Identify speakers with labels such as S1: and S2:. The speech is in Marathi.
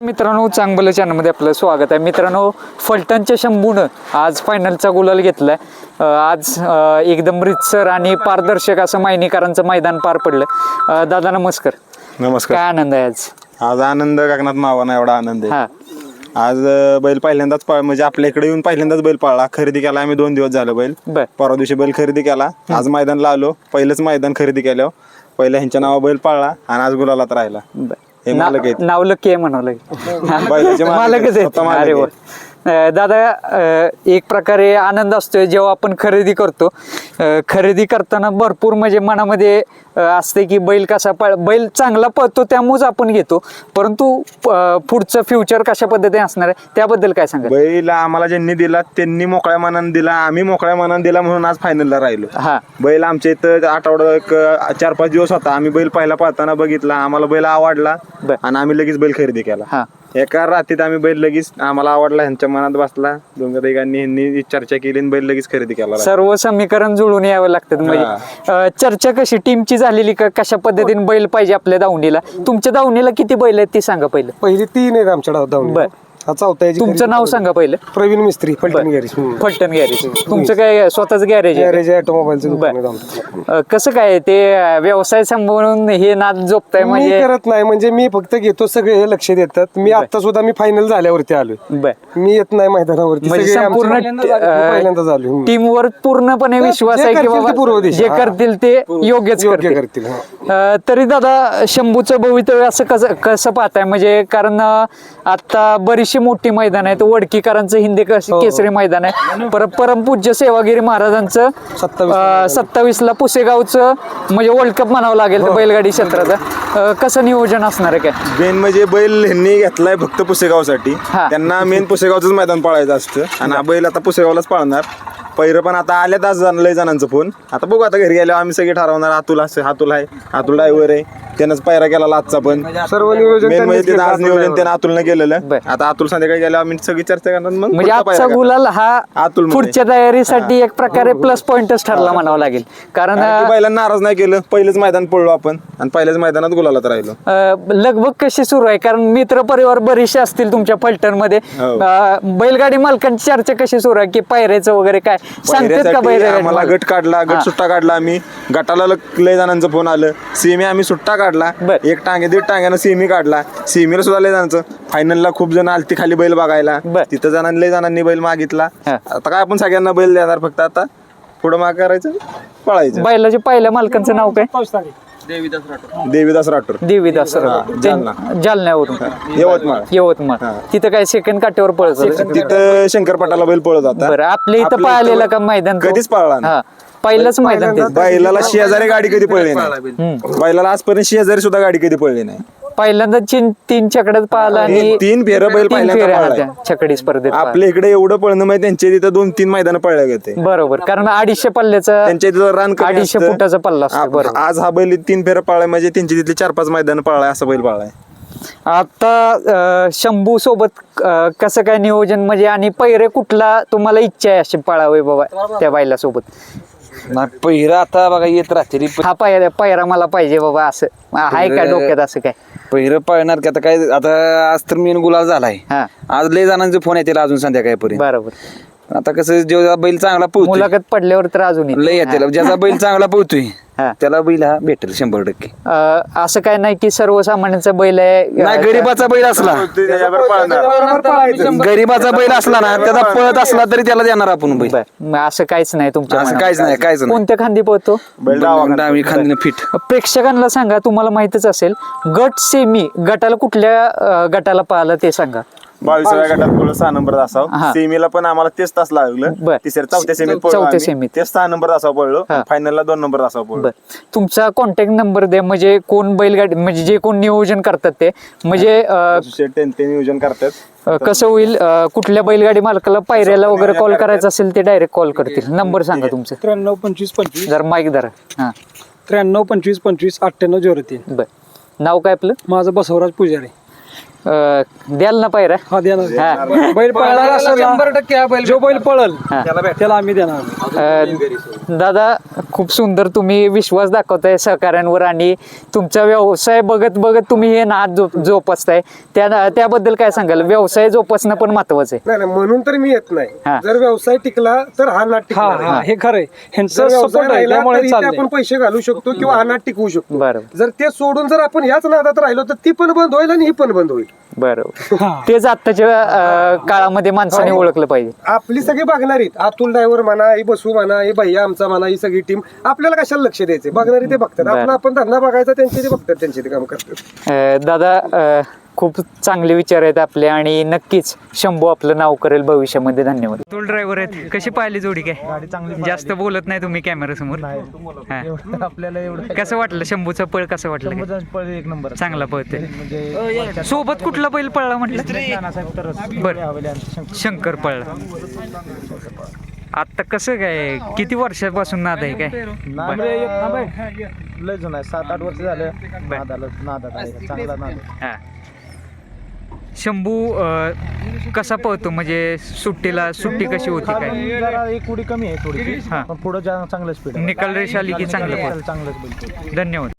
S1: मित्रांनो, चांगलं चॅनलमध्ये आपलं स्वागत आहे. मित्रांनो, फलटणच्या शंभूनं आज फायनलचा गुलाल घेतलाय. आज एकदम रितसर आणि पारदर्शक असं मायनीकरांचं मैदान पार पडलं. दादा नमस्कार.
S2: नमस्कार.
S1: काय आनंद आहे आज?
S2: आज आनंद गगनात मावाना एवढा आनंद आहे. आज बैल पहिल्यांदाच म्हणजे आपल्या इकडे येऊन पहिल्यांदाच बैल पाळला. खरेदी केला आम्ही 2 दिवस झालं बैल. परवा दिवशी बैल खरेदी केला. आज मैदानला आलो. पहिलंच मैदान खरेदी केलं. पहिल्या ह्यांच्या नावा बैल पाळला आणि आज गुलालात राहिला.
S1: नाव लकी आहे म्हणावं मालकच आहेत. अरे वा. दादा, एक प्रकारे आनंद असतोय जेव्हा आपण खरेदी करतो. खरेदी करताना भरपूर म्हणजे मनामध्ये असते की बैल कसा बैल चांगला पळतो त्यामुळेच आपण घेतो, परंतु पुढचं फ्युचर कशा पद्धतीने असणार आहे त्याबद्दल काय सांगा?
S2: बैल आम्हाला ज्यांनी दिला त्यांनी मोकळ्या मनाने दिला, आम्ही मोकळ्या मनाने दिला म्हणून आज फायनलला राहिलो. बैल आमच्या इथं आठवडा 4-5 दिवस होता. आम्ही बैल पहिला पाहताना बघितला, आम्हाला बैल आवडला आणि आम्ही लगेच बैल खरेदी केला. एका रात्रीत आम्ही बैल लगेच आम्हाला आवडला, ह्यांच्या मनात बसला. दोघांनी चर्चा केली आणि बैल लगेच खरेदी केला.
S1: सर्व समीकरण जुळून यावं लागतं. म्हणजे चर्चा कशी टीमची झालेली का कशा पद्धतीने बैल पाहिजे आपल्या दावणीला? तुमच्या दावणीला किती बैल आहेत ती सांगा पहिलं.
S3: पहिली 3 आहेत आमच्या दावणीला.
S1: तुमचं नाव सांगा पहिलं.
S3: प्रवीण मिस्त्री, फलटण गॅरेज.
S1: फलटण गॅरेज. तुमचं काय स्वतःच गॅरेज
S3: आहे? ऑटोमोबाईलचं.
S1: कसं काय ते व्यवसाय सांभाळून हे नाद जोपताय? म्हणजे
S3: करत नाही, म्हणजे मी फक्त घेतो, सगळे हे लक्ष देतात. मी आता सुद्धा मी फायनल झाल्यावरती आलोय. मी येत नाही मैदानावरती.
S1: म्हणजे संपूर्ण
S3: पहिल्यांदा झालो.
S1: टीमवर पूर्णपणे विश्वास आहे की बाबा जे करतील ते योग्यच करतील. तरी दादा, शंभूचं भवितव्य असं कसं पाहताय? म्हणजे कारण आता बरीचशी मोठी मैदान आहे. वडकीकरांचं हिंदी केसरी मैदान आहे. परमपूज्य सेवागिरी महाराजांचं 27ला पुसेगावचं म्हणजे वर्ल्ड कप म्हणावं लागेल बैलगाडी क्षेत्राचं. कसं नियोजन असणार आहे? काय
S2: मेन म्हणजे बैल ह्यांनी घेतलाय फक्त पुसेगावसाठी. त्यांना मेन पुसेगावचंच मैदान पाळायचं असतं आणि हा बैल आता पुसेगावलाच पाळणार. पहिरं पण आता आल्यात आज लय जणांचं फोन. आता बघू, आता घरी गेल्यावर आम्ही सगळे ठरवणार. अतुल आहे, अतुल ड्रायव्हर आहे, त्यानंच पायरा केला आजचा पण.
S3: सर्व नियोजन
S2: आज नियोजन त्यानं अतुलनं केलेलं. आता अतुल संध्याकाळी गेल्यावर आम्ही सगळी चर्चा करणार. मग
S1: म्हणजे आजचा गुलाल हा पुढच्या तयारीसाठी एक प्रकारे प्लस पॉइंटच ठरला म्हणावं लागेल. कारण
S2: बैलांना नाराज नाही केलं. पहिलेच मैदान पडलो आपण आणि पहिल्याच मैदानात गुलालात राहिलो.
S1: लगबग कशी सुरू आहे? कारण मित्र परिवार बरेचसे असतील तुमच्या फलटण मध्ये. बैलगाडी मालकांची चर्चा कशी सुरू आहे की पायऱ्याचं वगैरे काय सांगतात का?
S2: आम्हाला गट काढला, गट सुट्टा काढला. आम्ही गटाला लय जणांचं फोन आलं. सेमी आम्ही सुट्टा काढला. 1 टांगे 1.5 टांग्यानं सेमी काढला. सेमीला सुद्धा लय जणांचं. फायनलला खूप जण आलती खाली बैल बघायला. तिथं लय जणांनी बैल मागितला. आता काय आपण सगळ्यांना बैल देणार, फक्त आता पुढं माग करायचं, पळायचं.
S1: बैलाच्या पहिल्या मालकांचं नाव काय?
S2: देवीदास राठोड.
S1: जालन्यावरून. यवतमाळ. तिथं काय सेकंड काट्यावर पळत?
S2: तिथं शंकरपटाला बैल पळत होता.
S1: बरं, आपल्या इथं पाहिलेलं का मैदान?
S2: कधीच पळला.
S1: पहिलंच मैदान.
S2: बैलाला 6,000 गाडी कधी पळली नाही. बैलाला आजपर्यंत 6,000 सुद्धा गाडी कधी पळली नाही.
S1: पहिल्यांदा 3 चकड्यात पाहिला आणि
S2: 3 फेरं बैल पहिल्यांदा
S1: छकडी स्पर्धेत.
S2: आपल्या इकडे एवढं पळणं माहिती, त्यांच्या तिथं 2-3 मैदान पळल्या गेले.
S1: बरोबर, कारण 250 पल्ल्याचा,
S2: त्यांच्या तिथं रन
S1: 250 फुटाचा पल्ला असतो.
S2: आज हा बैल 3 फेरं पळलाय म्हणजे त्यांची तिथली 4-5 मैदान पळलाय असा बैल पळलाय.
S1: आता शंभू सोबत कसं काय नियोजन म्हणजे, आणि पहिरे कुठला तुम्हाला इच्छा आहे अशी पळावे बाबा त्या बैला सोबत?
S4: पहिरा आता बघा येत राहते.
S1: हा पहिरा मला पाहिजे बाबा असं आहे का डोक्यात? असं काय
S4: पहिरं पाळणार की आता काय? आता आज तर मेन गुलाल झालाय. आज लय जणांचे फोन येतील अजून संध्याकाळपर्यंत.
S1: बरोबर.
S4: आता कसं जेव्हा बैल चांगला पोहतो,
S1: मुलाखत पडल्यावर तर अजून
S4: लय येतील. ज्याचा बैल चांगला पोहतोय त्याला बैल हा भेटेल 100%.
S1: असं काय नाही की सर्वसामान्यांचा बैल आहे.
S4: नाही, गरीबाचा बैल असला, गरीबाचा बैल असला ना, त्याचा पळत असला तरी त्याला देणार आपण बैल.
S1: असं काहीच नाही तुमच्या?
S4: असं काहीच नाही, काहीच नाही.
S1: कोणत्या खांदी पळतो?
S4: डावी खांदीने फिट.
S1: प्रेक्षकांना सांगा, तुम्हाला माहितच असेल, गट सेमी गटाला कुठल्या गटाला पाहिलं ते सांगा.
S2: 22व्या गटात पळलो 6 नंबर असावं. सेमीला पण आम्हाला तेच तास लागलं. चौथ्या सेमीत तेच 6 नंबर असावं पळलो. फायनलला 2 नंबर असावं पळलो.
S1: तुमचा कॉन्टॅक्ट नंबर द्या, म्हणजे कोण बैलगाडी म्हणजे जे कोण नियोजन करतात ते, म्हणजे
S2: ते नियोजन करतात.
S1: कसं होईल, कुठल्या बैलगाडी मालकाला पायऱ्याला वगैरे कॉल करायचा असेल ते डायरेक्ट कॉल करतील. नंबर सांगा तुमचा.
S3: 93 25 25.
S1: जर माईक धरा.
S3: 93 25 25 98 03.
S1: बर. नाव काय आपलं?
S3: माझं बसवराज पुजारी.
S1: द्याल ना पायऱ्या?
S3: हा देणार. बैल पळणार असेल 100% जो बैल पळल त्याला आम्ही देणार.
S1: दादा, खूप सुंदर तुम्ही विश्वास दाखवताय सहकाऱ्यांवर आणि तुमचा व्यवसाय बघत बघत तुम्ही हे नाद जोपासताय त्याबद्दल काय सांगाल? व्यवसाय जोपासणं पण महत्वाचं आहे.
S3: नाही म्हणून तर मी येत नाही. जर व्यवसाय टिकला तर हा नाट टिकणार.
S5: हे खरंय
S3: जर व्यवसाय राहिला तर इथे आपण पैसे घालू शकतो किंवा हा नाट टिकवू शकतो. जर ते सोडून जर आपण याच नादात राहिलो तर ती पण बंद होईल आणि ही पण बंद होईल.
S1: बरोबर. तेच आत्ताच्या काळामध्ये माणसाने ओळखलं पाहिजे.
S3: आपली सगळी बघणारी अतुल ड्रायव्हर म्हणा, ही बसू म्हणा, ही भैया आमचा म्हणा, ही सगळी टीम आपल्याला कशाला लक्ष द्यायचे? बघणारी ते बघतात. आपण धंदा बघायचा, त्यांचे ते बघतात, त्यांचे ते काम करतात.
S1: दादा खूप चांगले विचार आहेत आपले आणि नक्कीच शंभू आपलं नाव करेल भविष्यामध्ये. धन्यवाद. अतुल ड्रायव्हर आहेत. कशी पाहिली जोडी? काय जास्त बोलत नाही तुम्ही कॅमेरा समोर?
S5: आपल्याला एवढं
S1: कसं वाटलं शंभूचं पळ? कसं वाटलं?
S5: पळ एक नंबर
S1: चांगला पळतोय. सोबत कुठला बैल पळला म्हटलं? बरं, शंकर पळला. आता कसं काय, किती वर्षापासून नाद आहे? काय
S5: लय जुना आहे, 7-8 वर्ष झालं चांगला नाद.
S1: शंभू कसा पळतो? म्हणजे सुट्टी कशी होती? काय
S5: एक उडी कमी आहे थोडी, पण पुढे चांगलं स्पीड.
S1: निकाल रेष आली की चांगलं. धन्यवाद.